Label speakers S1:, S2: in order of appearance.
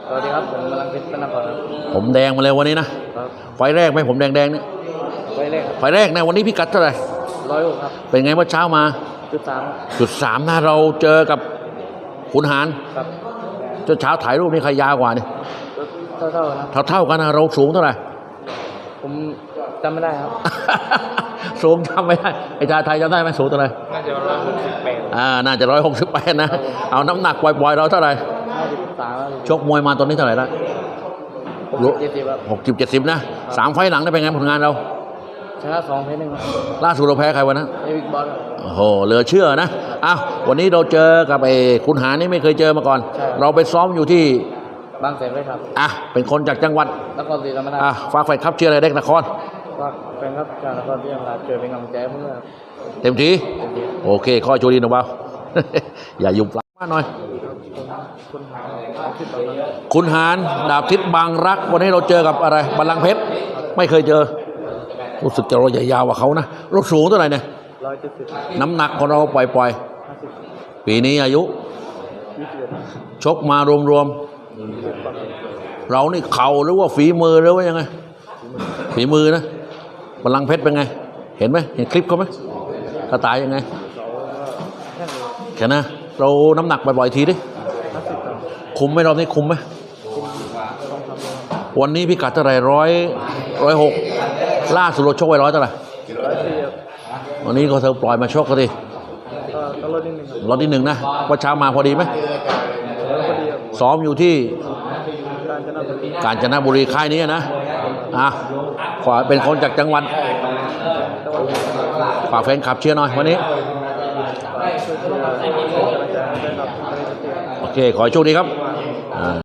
S1: สวัสดีครับผมกำลังเพชรเป็นนักบอลครับ
S2: ผมแดงมาเลยวันนี้นะครับ ไฟแรกไหมผมแดงนี่
S1: ไฟแรกครับ
S2: ไฟแรกนะวันนี้พิกัดเท่าไหร่
S1: 106ครับ
S2: เป็นไงเมื่อเช้ามา
S1: 3
S2: จุดสามนะเราเจอกับขุนหาร
S1: ครับ
S2: เช้าถ่ายรูปนี่ใครยาวกว่านี่
S1: เท่าๆนะ
S2: เท่ากันนะเราสูงเท่าไหร่
S1: ผมจำไม่ได้ครับ
S2: สูงจำไม่ได้ไอ้ชาไทยจำได้ไหมสูงเท่าไหร่
S1: น่าจะ168
S2: น่าจะ168นะเอาน้ำหนักปล่อยๆเราเท่าไหร่
S1: 53
S2: ชกมวยมาตอนนี้เท่าไหร่ละ
S1: 70ครับ
S2: 60-70นะ3 ไฟล์หลังได้เป็นไงผลงานเรา
S1: ชนะ2แพ้1ครับ
S2: ล่าสุดเราแพ้ใครวันนั้น
S1: เอวิกบอลครับ
S2: โอ้โหเหลือเชื่อนะอ้าววันนี้เราเจอกับไอ้ขุนหารนี่ไม่เคยเจอมาก่อน
S1: ใช่
S2: เราไปซ้อมอยู่ที่
S1: บางแสนเลยครับ
S2: เป็นคนจากจังหวัด
S1: นครศรีธรรมราช
S2: ฝากแฟนคลับเชียร์อะไรเด็กนคร
S1: ฝากแฟนครับจากนครศรีธรรมราชเจอเป็นกำลังใจให้เพื่อนครับ
S2: เต็มที่
S1: เต็มที่
S2: โอเคข้อโชคดีนะบ่าว อย่ายุ่งปลามากหน่อย
S1: คุณหาที่ตอนนั้น
S2: ขุนหารดาบทิศบางรักวันนี้เราเจอกับอะไรบัลลังก์เพชรไม่เคยเจอรู้สึกจะเราใหญ่ยาวกว่าเขานะเราสูงเท่าไหร่เนี่ย
S1: 170
S2: น้ำหนักของเราปล่อย
S1: 50
S2: ๆปีนี้อายุ
S1: 21
S2: ชกมารวมๆเรานี่เข่าหรือว่าฝีมือหรือว่ายังไงฝีมือนะบัลลังก์เพชรเป็นไงเห็นไหมเห็นคลิปเขาไหมกระต่ายยังไงแค่นะเราน้ำหนักบ่อยๆทีดิคุมไหมรอบนี้คุมไหมวันนี้พิกัดเท่าไหร่106ล่าสุดเราชกไว้100เท่าไหร่วันนี้ก็เธอปล่อยมาชกกันดิ
S1: ก็ลดนิดนึงครับ
S2: รอบที่1นะว่าเช้ามาพอดีไหม
S1: แล้วพอดีครับ
S2: ซ้อมอยู่ที่
S1: กาญจนบุรี
S2: กาญจนบุรีค่ายนี้นะขอเป็นคนจากจังหวัดฝากแฟนคลับเชียร์หน่อยวันนี้โอเคขอให้โชคดีครับ